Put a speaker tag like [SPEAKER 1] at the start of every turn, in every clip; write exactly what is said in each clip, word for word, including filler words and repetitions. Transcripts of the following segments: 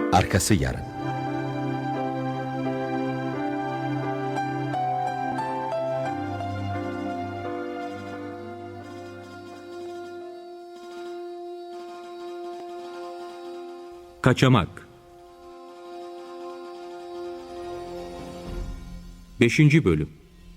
[SPEAKER 1] Arkası yarın.
[SPEAKER 2] Kaçamak. Beşinci Bölüm.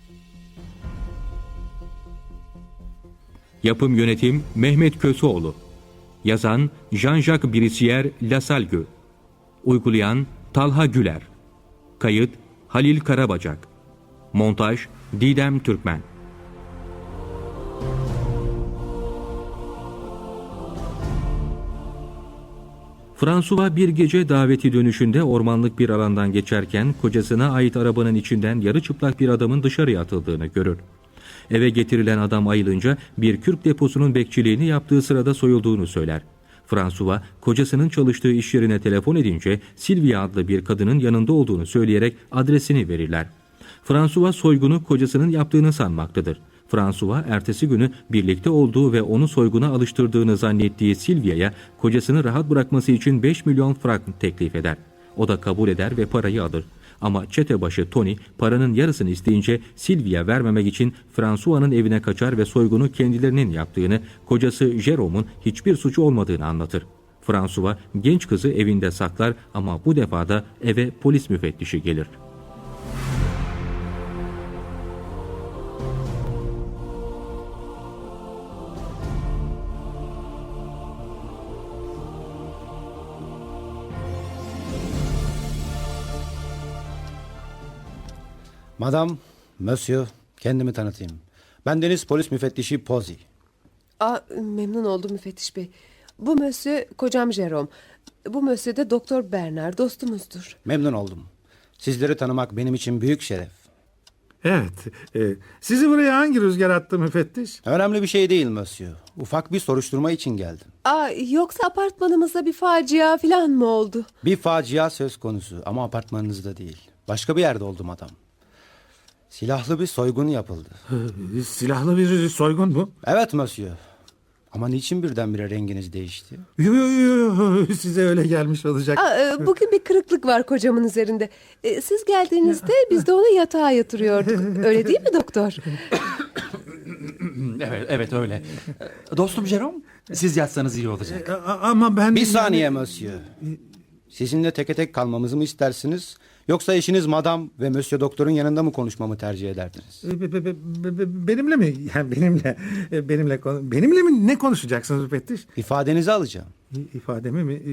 [SPEAKER 2] Yapım Yönetim Mehmet Köseoğlu. Yazan Jean-Jacques Brissière Lasalgue. Uygulayan Talha Güler. Kayıt Halil Karabacak. Montaj Didem Türkmen. François bir gece daveti dönüşünde ormanlık bir alandan geçerken kocasına ait arabanın içinden yarı çıplak bir adamın dışarıya atıldığını görür. Eve getirilen adam ayılınca bir kürk deposunun bekçiliğini yaptığı sırada soyulduğunu söyler. François kocasının çalıştığı iş yerine telefon edince Sylvia adlı bir kadının yanında olduğunu söyleyerek adresini verirler. François soygunu kocasının yaptığını sanmaktadır. François ertesi günü birlikte olduğu ve onu soyguna alıştırdığını zannettiği Sylvia'ya kocasını rahat bırakması için beş milyon frank teklif eder. O da kabul eder ve parayı alır. Ama çetebaşı Tony paranın yarısını isteyince Sylvia vermemek için François'nın evine kaçar ve soygunu kendilerinin yaptığını, kocası Jérôme'un hiçbir suçu olmadığını anlatır. François genç kızı evinde saklar ama bu defa da eve polis müfettişi gelir.
[SPEAKER 3] Madam, Monsieur, kendimi tanıtayım. Ben deniz polis müfettişi Pozzi.
[SPEAKER 4] Aa, memnun oldum müfettiş bey. Bu Monsieur kocam Jérôme. Bu Monsieur de Doktor Bernard, dostumuzdur.
[SPEAKER 3] Memnun oldum. Sizleri tanımak benim için büyük şeref.
[SPEAKER 5] Evet. E, sizi buraya hangi rüzgar attı müfettiş?
[SPEAKER 3] Önemli bir şey değil Monsieur. Ufak bir soruşturma için geldim.
[SPEAKER 4] Aa, yoksa apartmanımızda bir facia falan mı oldu?
[SPEAKER 3] Bir facia söz konusu ama apartmanınızda değil. Başka bir yerde oldu madam. Silahlı bir soygun yapıldı.
[SPEAKER 5] E, silahlı bir soygun mu?
[SPEAKER 3] Evet Monsieur. Ama niçin birdenbire renginiz değişti?
[SPEAKER 5] Yo, yo, yo, size öyle gelmiş olacak.
[SPEAKER 4] Aa, e, bugün bir kırıklık var kocamın üzerinde. E, siz geldiğinizde biz de onu yatağa yatırıyorduk. Öyle değil mi doktor?
[SPEAKER 1] Evet, evet öyle. Dostum Jérôme, siz yatsanız iyi olacak.
[SPEAKER 5] E, a- ama ben...
[SPEAKER 3] Bir saniye Monsieur. Sizinle teke tek kalmamızı mı istersiniz? Yoksa eşiniz madam ve Monsieur Doktor'un yanında mı konuşmamı tercih ederdiniz?
[SPEAKER 5] E, be- be- be- be- Benimle mi? Yani benimle. e, Benimle konu- benimle mi ne konuşacaksınız müfettiş?
[SPEAKER 3] İfadenizi alacağım.
[SPEAKER 5] İ- İfademi mi?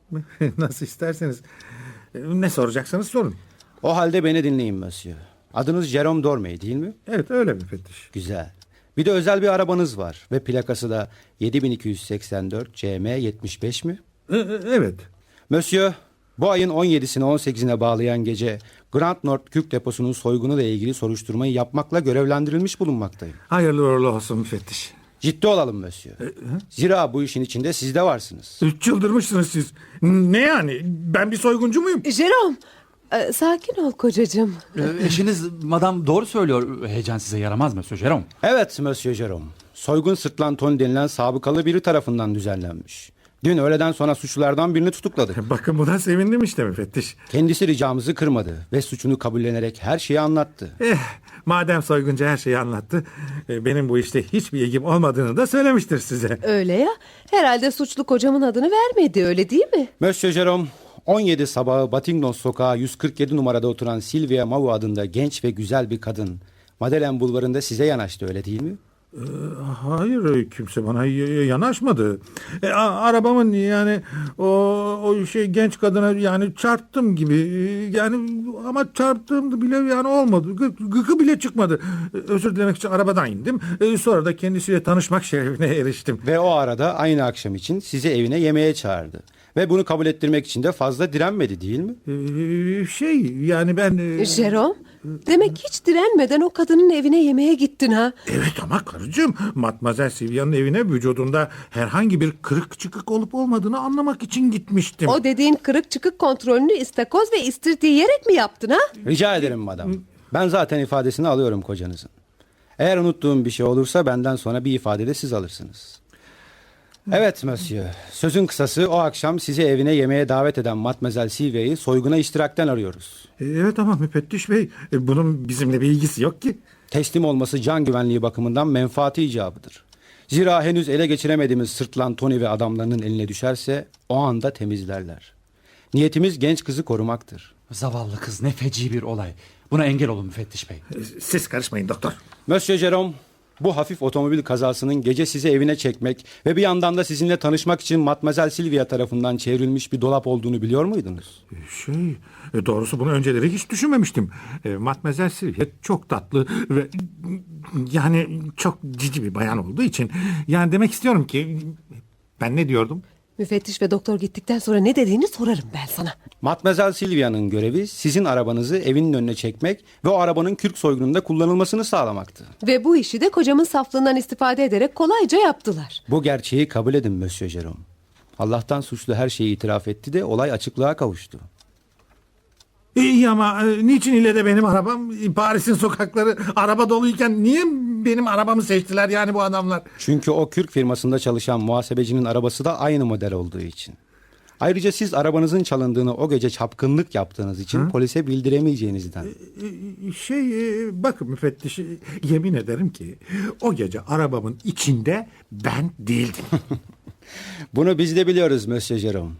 [SPEAKER 5] E, Nasıl isterseniz. E, Ne soracaksanız sorun.
[SPEAKER 3] O halde beni dinleyin Monsieur. Adınız Jérôme Dormey değil mi?
[SPEAKER 5] Evet öyle müfettiş.
[SPEAKER 3] Güzel. Bir de özel bir arabanız var ve plakası da yedi bin iki yüz seksen dört C M yetmiş beş mi?
[SPEAKER 5] E, e, Evet.
[SPEAKER 3] Monsieur, bu ayın on yedisine on sekizine bağlayan gece Grand Nord Kürk Deposu'nun soygunu ile ilgili soruşturmayı yapmakla görevlendirilmiş bulunmaktayım.
[SPEAKER 5] Hayırlı uğurlu olsun müfettiş.
[SPEAKER 3] Ciddi olalım Monsieur. Zira bu işin içinde siz de varsınız.
[SPEAKER 5] Çıldırmışsınız siz. Ne yani? Ben bir soyguncu muyum?
[SPEAKER 4] Jérôme, e, sakin ol kocacığım.
[SPEAKER 1] Ee, Eşiniz madam doğru söylüyor. Heyecan size yaramaz mı Jérôme?
[SPEAKER 3] Evet Monsieur Jérôme. Soygun sırtlan Tony denilen sabıkalı biri tarafından düzenlenmiş. Dün öğleden sonra suçlulardan birini tutukladık.
[SPEAKER 5] Bakın buna sevindim işte müfettiş.
[SPEAKER 3] Kendisi ricamızı kırmadı ve suçunu kabullenerek her şeyi anlattı.
[SPEAKER 5] Eh, madem soyguncu her şeyi anlattı, e, benim bu işte hiçbir ilgim olmadığını da söylemiştir size.
[SPEAKER 4] Öyle ya. Herhalde suçlu kocamın adını vermedi, öyle değil mi?
[SPEAKER 3] Monsieur Jérôme, on yedi sabahı Batignon sokağı yüz kırk yedi numarada oturan Sylvia Mau adında genç ve güzel bir kadın Madeleine bulvarında size yanaştı, öyle değil mi?
[SPEAKER 5] Ee, hayır, kimse bana y- yanaşmadı. E, a- arabamın yani o, o şey genç kadına yani çarptım gibi, e, yani ama çarptığım bile yani olmadı. Gı- Gıkı bile çıkmadı. E, Özür dilemek için arabadan indim. E, sonra da kendisiyle tanışmak şerefine eriştim.
[SPEAKER 3] Ve o arada aynı akşam için sizi evine yemeğe çağırdı. Ve bunu kabul ettirmek için de fazla direnmedi değil mi?
[SPEAKER 5] E, şey yani ben... e,
[SPEAKER 4] Jérôme, demek hiç direnmeden o kadının evine yemeğe gittin ha?
[SPEAKER 5] Evet ama karıcığım, Matmazel Sylvia'nın evine vücudunda herhangi bir kırık çıkık olup olmadığını anlamak için gitmiştim.
[SPEAKER 4] O dediğin kırık çıkık kontrolünü istakoz ve istirti yiyerek mi yaptın ha?
[SPEAKER 3] Rica ederim madam. Ben zaten ifadesini alıyorum kocanızın. Eğer unuttuğum bir şey olursa benden sonra bir ifade de siz alırsınız. Evet monsieur. Sözün kısası o akşam sizi evine yemeğe davet eden Matmazel Silvia'yı soyguna iştirakten arıyoruz.
[SPEAKER 5] E, Evet ama müfettiş bey, e, bunun bizimle bir ilgisi yok ki.
[SPEAKER 3] Teslim olması can güvenliği bakımından menfaati icabıdır. Zira henüz ele geçiremediğimiz sırtlan Tony ve adamlarının eline düşerse o anda temizlerler. Niyetimiz genç kızı korumaktır.
[SPEAKER 1] Zavallı kız, ne feci bir olay. Buna engel olun müfettiş bey.
[SPEAKER 5] E, Siz karışmayın doktor.
[SPEAKER 3] Monsieur Jerome, bu hafif otomobil kazasının gece sizi evine çekmek ve bir yandan da sizinle tanışmak için Matmazel Silvia tarafından çevrilmiş bir dolap olduğunu biliyor muydunuz?
[SPEAKER 5] Şey, e, doğrusu bunu önceleri hiç düşünmemiştim. E, Matmazel Silvia çok tatlı ve yani çok cici bir bayan olduğu için, yani demek istiyorum ki ben ne diyordum?
[SPEAKER 4] Müfettiş ve doktor gittikten sonra ne dediğini sorarım ben sana.
[SPEAKER 3] Matmazel Silvia'nın görevi sizin arabanızı evinin önüne çekmek ve o arabanın kürk soygununda kullanılmasını sağlamaktı.
[SPEAKER 4] Ve bu işi de kocamın saflığından istifade ederek kolayca yaptılar.
[SPEAKER 3] Bu gerçeği kabul edin Monsieur Jerome. Allah'tan suçlu her şeyi itiraf etti de olay açıklığa kavuştu.
[SPEAKER 5] İyi ama e, niçin ile de benim arabam? Paris'in sokakları araba doluyken niye benim arabamı seçtiler yani bu adamlar?
[SPEAKER 3] Çünkü o kürk firmasında çalışan muhasebecinin arabası da aynı model olduğu için. Ayrıca siz arabanızın çalındığını o gece çapkınlık yaptığınız için
[SPEAKER 5] Hı?
[SPEAKER 3] polise bildiremeyeceğinizden.
[SPEAKER 5] E, Şey, e, bakın müfettiş, e, yemin ederim ki o gece arabamın içinde ben değildim.
[SPEAKER 3] Bunu biz de biliyoruz Monsieur Jerome.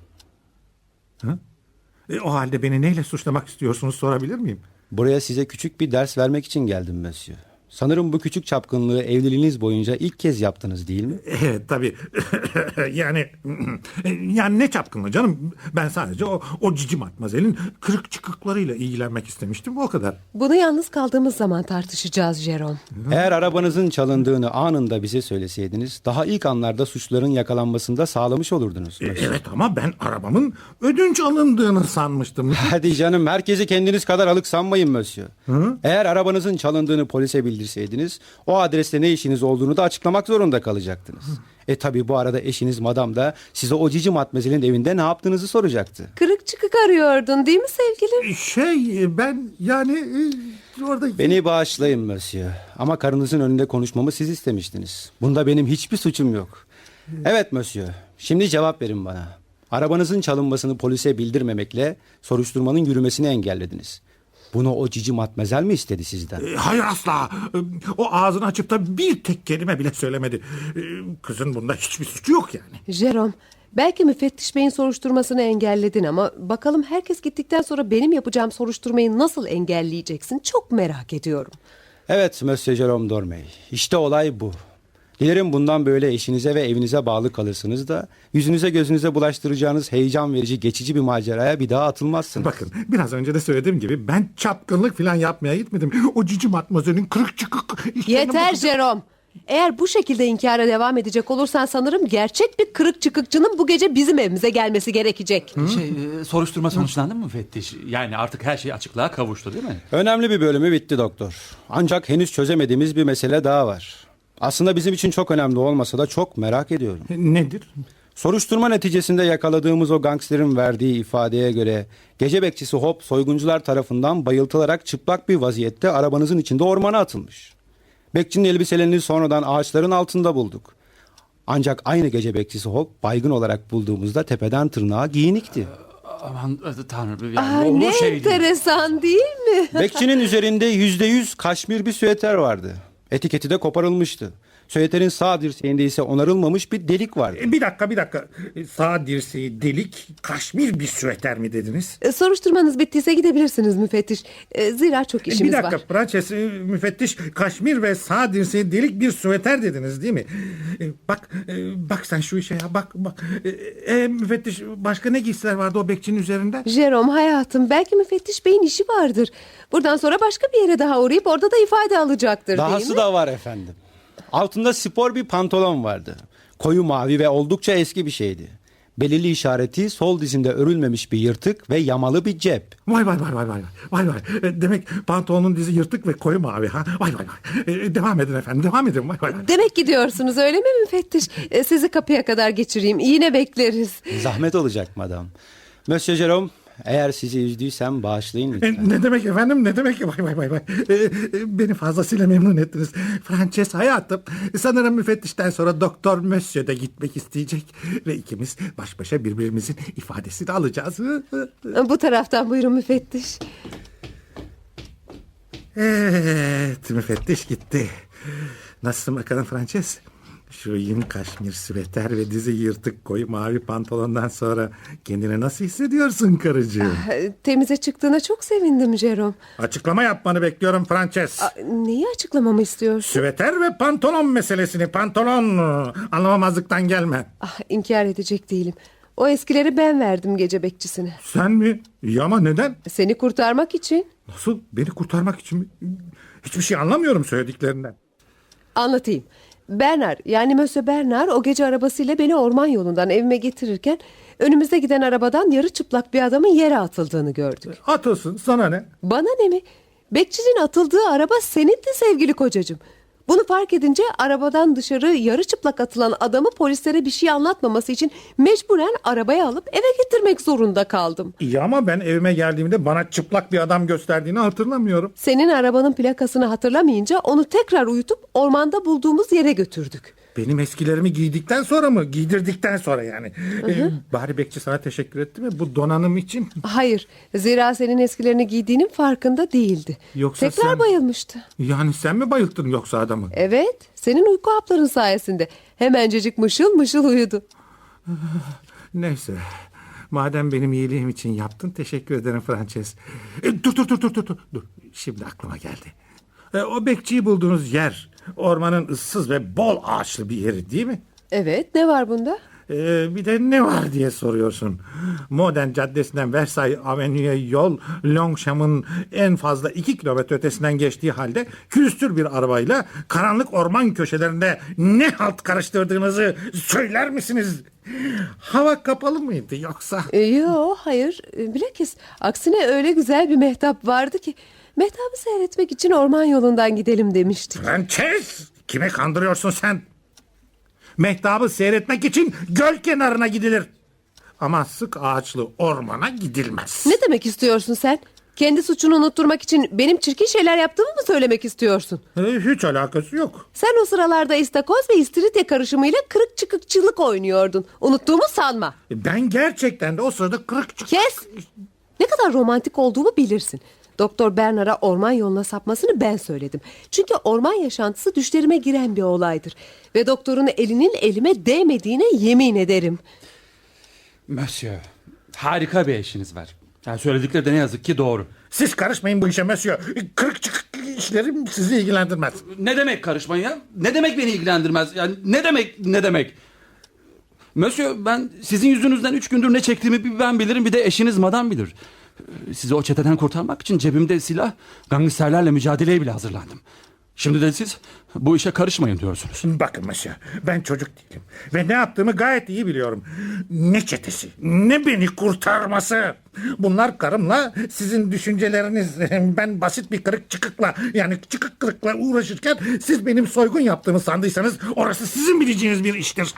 [SPEAKER 5] Hı? E, o halde beni neyle suçlamak istiyorsunuz sorabilir miyim?
[SPEAKER 3] Buraya size küçük bir ders vermek için geldim Monsieur. Sanırım bu küçük çapkınlığı evliliğiniz boyunca ilk kez yaptınız değil mi?
[SPEAKER 5] Evet tabii. yani yani ne çapkınlığı canım. Ben sadece o, o cici matmazelin kırık çıkıklarıyla ilgilenmek istemiştim, o kadar.
[SPEAKER 4] Bunu yalnız kaldığımız zaman tartışacağız Jerome.
[SPEAKER 3] Eğer arabanızın çalındığını anında bize söyleseydiniz daha ilk anlarda suçların yakalanmasında sağlamış olurdunuz.
[SPEAKER 5] E, evet ama ben arabamın ödünç alındığını sanmıştım.
[SPEAKER 3] Hadi canım, herkesi kendiniz kadar alık sanmayın Monsieur.
[SPEAKER 5] Hı?
[SPEAKER 3] Eğer arabanızın çalındığını polise bildirseydiniz o adreste ne işiniz olduğunu da açıklamak zorunda kalacaktınız. E tabi bu arada eşiniz madam da size o cici matmezelin evinde ne yaptığınızı soracaktı.
[SPEAKER 4] Kırık çıkık arıyordun değil mi sevgilim?
[SPEAKER 5] Şey, ben yani e, orada...
[SPEAKER 3] Beni bağışlayın Monsieur ama karınızın önünde konuşmamı siz istemiştiniz. Bunda benim hiçbir suçum yok. Evet Monsieur, şimdi cevap verin bana. Arabanızın çalınmasını polise bildirmemekle soruşturmanın yürümesini engellediniz. Bunu o cici matmezel mi istedi sizden?
[SPEAKER 5] E, Hayır asla. E, O ağzını açıp da bir tek kelime bile söylemedi. E, Kızın bunda hiçbir suçu yok yani.
[SPEAKER 4] Jerome, belki müfettiş beyin soruşturmasını engelledin ama bakalım herkes gittikten sonra benim yapacağım soruşturmayı nasıl engelleyeceksin? Çok merak ediyorum.
[SPEAKER 3] Evet Monsieur Jerome Dormey, işte olay bu. Dilerim bundan böyle eşinize ve evinize bağlı kalırsınız da yüzünüze gözünüze bulaştıracağınız heyecan verici geçici bir maceraya bir daha atılmazsınız.
[SPEAKER 5] Bakın, biraz önce de söylediğim gibi ben çapkınlık falan yapmaya gitmedim. O cici matmazelin kırık çıkık...
[SPEAKER 4] Yeter Jerome. Eğer bu şekilde inkara devam edecek olursan sanırım gerçek bir kırık çıkıkçının bu gece bizim evimize gelmesi gerekecek.
[SPEAKER 1] Şey, e, soruşturma sonuçlandı mı müfettiş? Yani artık her şey açıklığa kavuştu değil mi?
[SPEAKER 3] Önemli bir bölümü bitti doktor. Ancak henüz çözemediğimiz bir mesele daha var. Aslında bizim için çok önemli olmasa da çok merak ediyorum.
[SPEAKER 5] Nedir?
[SPEAKER 3] Soruşturma neticesinde yakaladığımız o gangsterin verdiği ifadeye göre gece bekçisi Hop soyguncular tarafından bayıltılarak çıplak bir vaziyette arabanızın içinde ormana atılmış. Bekçinin elbiselerini sonradan ağaçların altında bulduk. Ancak aynı gece bekçisi Hop baygın olarak bulduğumuzda tepeden tırnağa giyinikti.
[SPEAKER 1] Aman e, tanrım, yani
[SPEAKER 4] Aa,
[SPEAKER 1] olur
[SPEAKER 4] ne
[SPEAKER 1] şey değil.
[SPEAKER 4] enteresan değil mi?
[SPEAKER 3] Bekçinin üzerinde yüzde yüz kaşmir bir süeter vardı. Etiketi de koparılmıştı. Süeterin sağ dirseğinde ise onarılmamış bir delik vardı.
[SPEAKER 5] E, Bir dakika bir dakika. E, Sağ dirseği delik, kaşmir bir süeter mi dediniz?
[SPEAKER 4] E, Soruşturmanız bittiyse gidebilirsiniz müfettiş. E, Zira çok
[SPEAKER 5] E,
[SPEAKER 4] işimiz
[SPEAKER 5] Bir dakika
[SPEAKER 4] var.
[SPEAKER 5] Prenses, e, müfettiş, kaşmir ve sağ dirseği delik bir süeter dediniz değil mi? E, Bak e, bak sen şu işe ya, bak bak. E, e, müfettiş, başka ne giysiler vardı o bekçinin üzerinde?
[SPEAKER 4] Jerome hayatım, belki müfettiş beyin işi vardır. Buradan sonra başka bir yere daha uğrayıp orada da ifade alacaktır değil
[SPEAKER 3] Dahası
[SPEAKER 4] mi?
[SPEAKER 3] da var efendim. Altında spor bir pantolon vardı. Koyu mavi ve oldukça eski bir şeydi. Belirli işareti sol dizinde örülmemiş bir yırtık ve yamalı bir cep.
[SPEAKER 5] Vay vay vay vay vay vay vay. E, Demek pantolonun dizi yırtık ve koyu mavi ha. Vay vay vay. E, devam edin efendim, devam edin. Vay vay.
[SPEAKER 4] Demek gidiyorsunuz öyle mi müfettiş? E, sizi kapıya kadar geçireyim. Yine bekleriz.
[SPEAKER 3] Zahmet olacak madam. Monsieur Jerome, Eğer sizi üzdüysem bağışlayın
[SPEAKER 5] E,
[SPEAKER 3] lütfen.
[SPEAKER 5] Ne demek efendim, ne demek? Vay vay vay vay. E, e, Beni fazlasıyla memnun ettiniz. Frances hayatım, sanırım müfettişten sonra Doktor Monsieur de gitmek isteyecek. Ve ikimiz baş başa birbirimizin ifadesini alacağız.
[SPEAKER 4] Bu taraftan buyurun müfettiş.
[SPEAKER 5] Evet, müfettiş gitti. Nasılsın bakalım Frances? Şu yün kaşmir süveter ve dizi yırtık koyu mavi pantolondan sonra kendini nasıl hissediyorsun karıcığım?
[SPEAKER 4] Temize çıktığına çok sevindim Jerome.
[SPEAKER 5] Açıklama yapmanı bekliyorum Frances.
[SPEAKER 4] Aa, neyi açıklamamı istiyorsun?
[SPEAKER 5] Süveter ve pantolon meselesini. Pantolon. Anlamamazlıktan gelme.
[SPEAKER 4] Ah, inkar edecek değilim. O eskileri ben verdim gece bekçisine.
[SPEAKER 5] Sen mi? Ya ama neden?
[SPEAKER 4] Seni kurtarmak için.
[SPEAKER 5] Nasıl? Beni kurtarmak için mi? Hiçbir şey anlamıyorum söylediklerinden.
[SPEAKER 4] Anlatayım. Bernard, yani Monsieur Bernard o gece arabasıyla beni orman yolundan evime getirirken önümüzde giden arabadan yarı çıplak bir adamın yere atıldığını gördük.
[SPEAKER 5] Atılsın, sana ne?
[SPEAKER 4] Bana ne mi? Bekçinin atıldığı araba senindi sevgili kocacığım. Bunu fark edince arabadan dışarı yarı çıplak atılan adamı polislere bir şey anlatmaması için mecburen arabaya alıp eve getirmek zorunda kaldım.
[SPEAKER 5] İyi ama ben evime geldiğimde bana çıplak bir adam gösterdiğini hatırlamıyorum.
[SPEAKER 4] Senin arabanın plakasını hatırlamayınca onu tekrar uyutup ormanda bulduğumuz yere götürdük.
[SPEAKER 5] Benim eskilerimi giydikten sonra mı? Giydirdikten sonra yani. Ee, bari bekçi sana teşekkür etti mi bu donanım için?
[SPEAKER 4] Hayır, zira senin eskilerini giydiğinin farkında değildi.
[SPEAKER 5] Yoksa
[SPEAKER 4] Tekrar
[SPEAKER 5] sen-
[SPEAKER 4] bayılmıştı.
[SPEAKER 5] Yani sen mi bayılttın yoksa adamı?
[SPEAKER 4] Evet, senin uyku hapların sayesinde. Hemencecik mışıl mışıl uyudu.
[SPEAKER 5] Neyse. Madem benim iyiliğim için yaptın, teşekkür ederim Frances. E, dur dur dur dur dur dur. Dur. Şimdi aklıma geldi. E, o bekçiyi bulduğunuz yer ormanın ıssız ve bol ağaçlı bir yeri değil mi?
[SPEAKER 4] Evet, ne var bunda?
[SPEAKER 5] E, bir de ne var diye soruyorsun. Modern Caddesi'nden Versailles Avenue'ye yol Longchamp'ın en fazla iki kilometre ötesinden geçtiği halde külüstür bir arabayla karanlık orman köşelerinde ne halt karıştırdığınızı söyler misiniz? Hava kapalı mıydı yoksa?
[SPEAKER 4] E, yo, hayır. E, bilakis aksine öyle güzel bir mehtap vardı ki mehtabı seyretmek için orman yolundan gidelim demiştik.
[SPEAKER 5] Frances! Kime kandırıyorsun sen? Mehtabı seyretmek için göl kenarına gidilir. Ama sık ağaçlı ormana gidilmez.
[SPEAKER 4] Ne demek istiyorsun sen? Kendi suçunu unutturmak için benim çirkin şeyler yaptığımı mı söylemek istiyorsun?
[SPEAKER 5] E, hiç alakası yok.
[SPEAKER 4] Sen o sıralarda istakoz ve istiridye karışımıyla kırık çıkıkçılık oynuyordun. Unuttuğumu sanma.
[SPEAKER 5] E, Ben gerçekten de o sırada kırık çık...
[SPEAKER 4] Kes! Ne kadar romantik olduğumu bilirsin. Doktor Bernard'a orman yoluna sapmasını ben söyledim. Çünkü orman yaşantısı düşlerime giren bir olaydır. Ve doktorun elinin elime değmediğine yemin ederim.
[SPEAKER 1] Monsieur, harika bir eşiniz var. Yani söyledikleri de ne yazık ki doğru.
[SPEAKER 5] Siz karışmayın bu işe Monsieur. Kırık çıkık işlerim sizi ilgilendirmez.
[SPEAKER 1] Ne demek karışmayın ya? Ne demek beni ilgilendirmez? Yani ne demek ne demek? Monsieur, ben sizin yüzünüzden üç gündür ne çektiğimi bir ben bilirim, bir de eşiniz madam bilir. Sizi o çeteden kurtarmak için cebimde silah, gangsterlerle mücadeleye bile hazırlandım. Şimdi de siz bu işe karışmayın diyorsunuz.
[SPEAKER 5] Bakın Monsieur, ben çocuk değilim. Ve ne yaptığımı gayet iyi biliyorum. Ne çetesi, ne beni kurtarması. Bunlar karımla sizin düşünceleriniz. Ben basit bir kırık çıkıkla, yani çıkık kırıkla uğraşırken siz benim soygun yaptığımı sandıysanız orası sizin bileceğiniz bir iştir.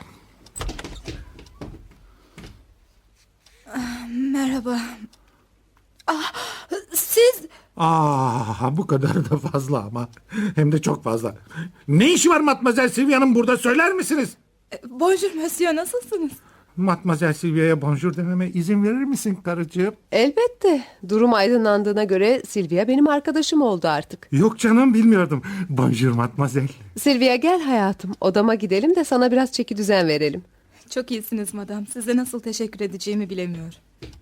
[SPEAKER 6] Merhaba. Ah, siz...
[SPEAKER 5] Aa, bu kadar da fazla ama. Hem de çok fazla. Ne işi var Matmazel Silvia'nın burada, söyler misiniz?
[SPEAKER 6] Bonjour monsieur, nasılsınız?
[SPEAKER 5] Matmazel Silvia'ya bonjour dememe izin verir misin karıcığım?
[SPEAKER 4] Elbette. Durum aydınlandığına göre Silvia benim arkadaşım oldu artık.
[SPEAKER 5] Yok canım, bilmiyordum. Bonjour Matmazel.
[SPEAKER 4] Silvia gel hayatım. Odama gidelim de sana biraz çeki düzen verelim.
[SPEAKER 6] Çok iyisiniz madam. Size nasıl teşekkür edeceğimi bilemiyorum.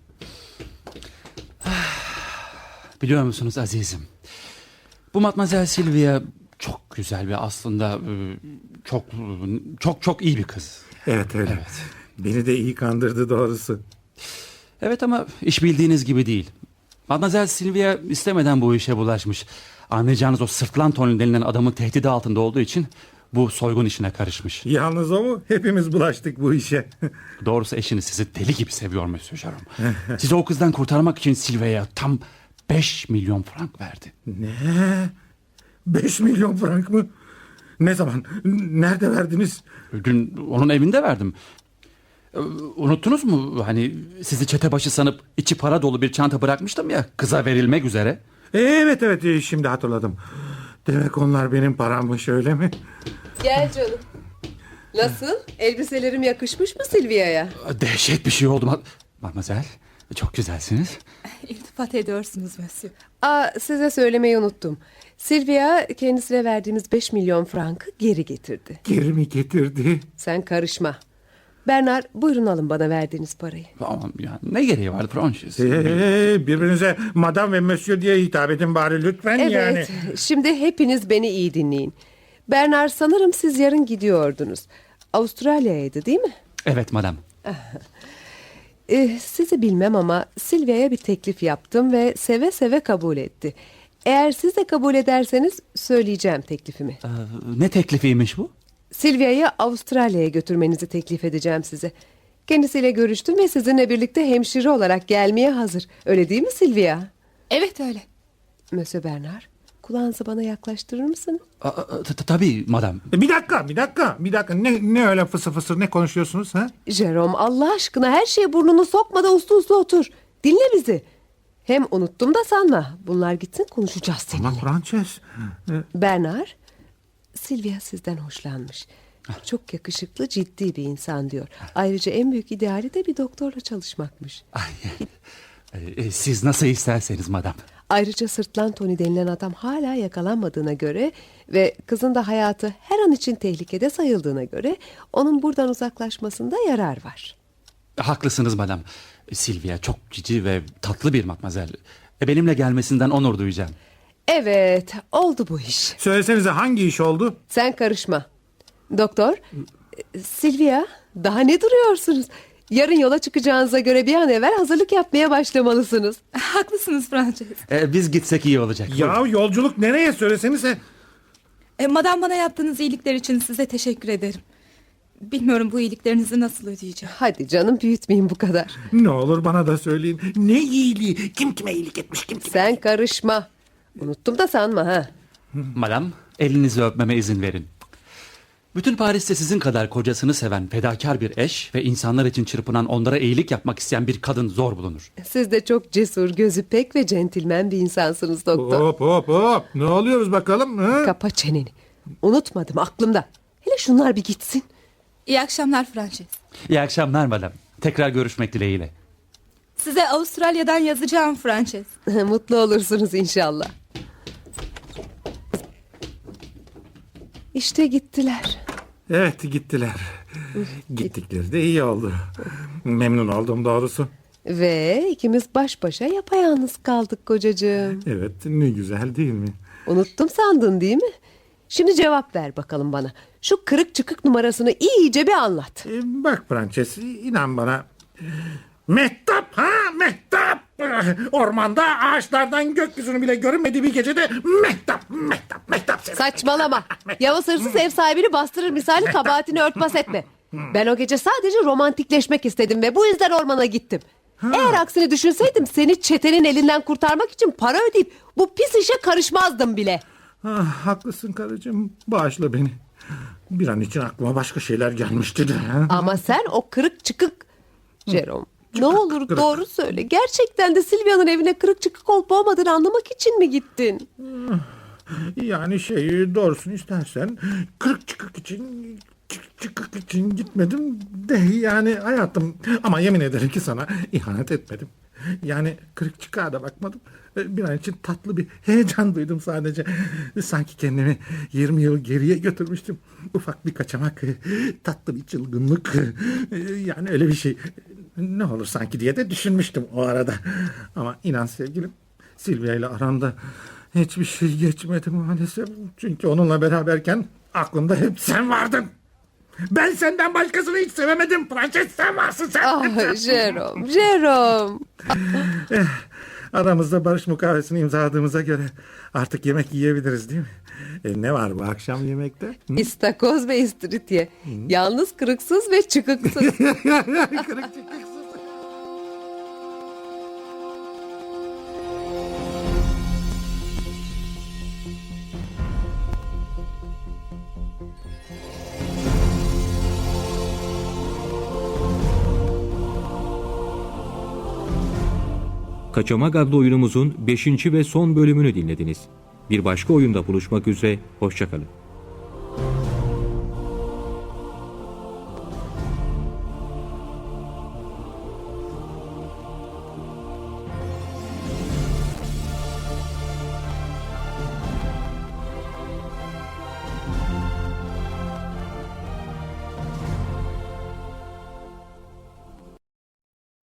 [SPEAKER 1] Biliyor musunuz azizim? Bu Matmazel Silvia çok güzel ve aslında e, çok çok çok iyi bir kız.
[SPEAKER 5] Evet öyle.
[SPEAKER 1] Evet.
[SPEAKER 5] Beni de iyi kandırdı doğrusu.
[SPEAKER 1] Evet ama iş bildiğiniz gibi değil. Matmazel Silvia istemeden bu işe bulaşmış. Anlayacağınız o sırtlan Tony denilen adamın tehdidi altında olduğu için bu soygun işine karışmış.
[SPEAKER 5] Yalnız o mu? Hepimiz bulaştık bu işe.
[SPEAKER 1] Doğrusu eşiniz sizi deli gibi seviyor Monsieur Jerome. Sizi o kızdan kurtarmak için Silvia'ya tam beş milyon frank verdi.
[SPEAKER 5] Ne? Beş milyon frank mı? Ne zaman? Nerede verdiniz?
[SPEAKER 1] Dün onun evinde verdim. Ee, Unuttunuz mu? Hani sizi çete başı sanıp içi para dolu bir çanta bırakmıştım ya, kıza verilmek üzere.
[SPEAKER 5] Evet evet e, şimdi hatırladım. Demek onlar benim parammış, öyle mi?
[SPEAKER 4] Gel canım. Nasıl? Elbiselerim yakışmış mı Silvia'ya?
[SPEAKER 1] Dehşet bir şey oldu. Ma- Mademoiselle, çok güzelsiniz.
[SPEAKER 6] İltifat ediyorsunuz Monsieur.
[SPEAKER 4] Aa, size söylemeyi unuttum. Silvia kendisine verdiğimiz beş milyon frankı geri getirdi.
[SPEAKER 5] Geri mi getirdi?
[SPEAKER 4] Sen karışma. Bernard, buyurun alın bana verdiğiniz parayı.
[SPEAKER 1] Aman ya, ne gereği vardı Francis?
[SPEAKER 5] Ee, birbirinize madam ve monsieur diye hitap edin bari lütfen
[SPEAKER 4] Evet,
[SPEAKER 5] yani.
[SPEAKER 4] şimdi hepiniz beni iyi dinleyin. Bernard, sanırım siz yarın gidiyordunuz. Avustralya'ydı değil mi?
[SPEAKER 1] Evet madam.
[SPEAKER 4] Ee, sizi bilmem ama Silvia'ya bir teklif yaptım ve seve seve kabul etti. Eğer siz de kabul ederseniz söyleyeceğim teklifimi.
[SPEAKER 1] Ee, ne teklifiymiş bu?
[SPEAKER 4] Silvia'yı Avustralya'ya götürmenizi teklif edeceğim size. Kendisiyle görüştüm ve sizinle birlikte hemşire olarak gelmeye hazır. Öyle değil mi Silvia?
[SPEAKER 6] Evet öyle.
[SPEAKER 4] Monsieur Bernard, kulağınızı bana yaklaştırır mısın?
[SPEAKER 1] Aa, t- t- Tabii madam.
[SPEAKER 5] Bir dakika bir dakika bir dakika ne, ne öyle fısır fısır ne konuşuyorsunuz ha?
[SPEAKER 4] Jerome, Allah aşkına her şeye burnunu sokma da uslu uslu otur. Dinle bizi. Hem unuttum da sanma. Bunlar gitsin, konuşacağız seninle.
[SPEAKER 5] Ama Frances.
[SPEAKER 4] Bernard, Silvia sizden hoşlanmış. Çok yakışıklı, ciddi bir insan diyor. Ayrıca en büyük ideali de bir doktorla çalışmakmış.
[SPEAKER 1] Ay, e, siz nasıl isterseniz madam.
[SPEAKER 4] Ayrıca Sırtlan Tony denilen adam hala yakalanmadığına göre ve kızın da hayatı her an için tehlikede sayıldığına göre onun buradan uzaklaşmasında yarar var.
[SPEAKER 1] Haklısınız madam. Silvia çok cici ve tatlı bir matmazel. E, benimle gelmesinden onur duyacağım.
[SPEAKER 4] Evet, oldu bu iş.
[SPEAKER 5] Söylesenize hangi iş oldu?
[SPEAKER 4] Sen karışma. Doktor, e, Silvia, daha ne duruyorsunuz? Yarın yola çıkacağınıza göre bir an evvel hazırlık yapmaya başlamalısınız.
[SPEAKER 6] Haklısınız Frances.
[SPEAKER 1] E, biz gitsek iyi olacak.
[SPEAKER 5] Ya yolculuk nereye söylesenize.
[SPEAKER 6] E, madam, bana yaptığınız iyilikler için size teşekkür ederim. Bilmiyorum bu iyiliklerinizi nasıl ödeyeceğim.
[SPEAKER 4] Hadi canım, büyütmeyin bu kadar.
[SPEAKER 5] Ne olur bana da söyleyin. Ne iyiliği? Kim kime iyilik etmiş? Kim kime?
[SPEAKER 4] Sen karışma. Unuttum da sanma ha.
[SPEAKER 1] Madam, elinizi öpmeme izin verin. Bütün Paris'te sizin kadar kocasını seven fedakar bir eş ve insanlar için çırpınan, onlara iyilik yapmak isteyen bir kadın zor bulunur.
[SPEAKER 4] Siz de çok cesur, gözü pek ve centilmen bir insansınız doktor.
[SPEAKER 5] Hop hop hop. Ne oluyoruz bakalım? Ha?
[SPEAKER 4] Kapa çeneni. Unutmadım, aklımda. Hele şunlar bir gitsin.
[SPEAKER 6] İyi akşamlar Frances.
[SPEAKER 1] İyi akşamlar madam. Tekrar görüşmek dileğiyle.
[SPEAKER 6] Size Avustralya'dan yazacağım Frances.
[SPEAKER 4] Mutlu olursunuz inşallah. İşte gittiler.
[SPEAKER 5] Evet gittiler. Gittikleri de iyi oldu. Memnun oldum doğrusu.
[SPEAKER 4] Ve ikimiz baş başa yapayalnız kaldık kocacığım.
[SPEAKER 5] Evet ne güzel değil mi?
[SPEAKER 4] Unuttum sandın değil mi? Şimdi cevap ver bakalım bana. Şu kırık çıkık numarasını iyice bir anlat.
[SPEAKER 5] Ee, bak Frances inan bana. Mehtap ha mehtap. Ormanda ağaçlardan gökyüzünü bile görünmediği bir gecede mehtap mehtap mehtap.
[SPEAKER 4] Saçmalama. Yavuz hırsız ev sahibini bastırır misali kabahatini örtbas etme. Ben o gece sadece romantikleşmek istedim ve bu yüzden ormana gittim. Eğer aksini düşünseydim seni çetenin elinden kurtarmak için para ödeyip bu pis işe karışmazdım bile.
[SPEAKER 5] Ah, haklısın karıcığım bağışla beni. Bir an için aklıma başka şeyler gelmişti de.
[SPEAKER 4] Ama sen o kırık çıkık Jerome, ne olur
[SPEAKER 5] kırık.
[SPEAKER 4] doğru söyle. Gerçekten de Silvia'nın evine kırık çıkık olup olmadığını anlamak için mi gittin?
[SPEAKER 5] Yani şey doğrusunu istersen kırık çıkık için çık- çıkık için gitmedim de yani hayatım ama yemin ederim ki sana ihanet etmedim. Yani kırık çıkığa da bakmadım. Bir an için tatlı bir heyecan duydum sadece. Sanki kendimi yirmi yıl geriye götürmüştüm. Ufak bir kaçamak, tatlı bir çılgınlık. Yani öyle bir şey. Ne olur sanki diye de düşünmüştüm o arada. Ama inan sevgilim, Silvia ile aramda hiçbir şey geçmedi maalesef. Çünkü onunla beraberken aklımda hep sen vardın. Ben senden başkasını hiç sevemedim. Frances sen varsın sen.
[SPEAKER 4] Ah Jerome, Jerome.
[SPEAKER 5] Aramızda barış mukavesini imzaladığımıza göre artık yemek yiyebiliriz değil mi? E, ne var bu akşam yemekte? Hı?
[SPEAKER 4] İstakoz ve istiridye. Yalnız kırıksız ve çıkıksız.
[SPEAKER 5] Kırık çıkıksız.
[SPEAKER 2] Kaçamak adlı oyunumuzun beşinci ve son bölümünü dinlediniz. Bir başka oyunda buluşmak üzere, hoşçakalın.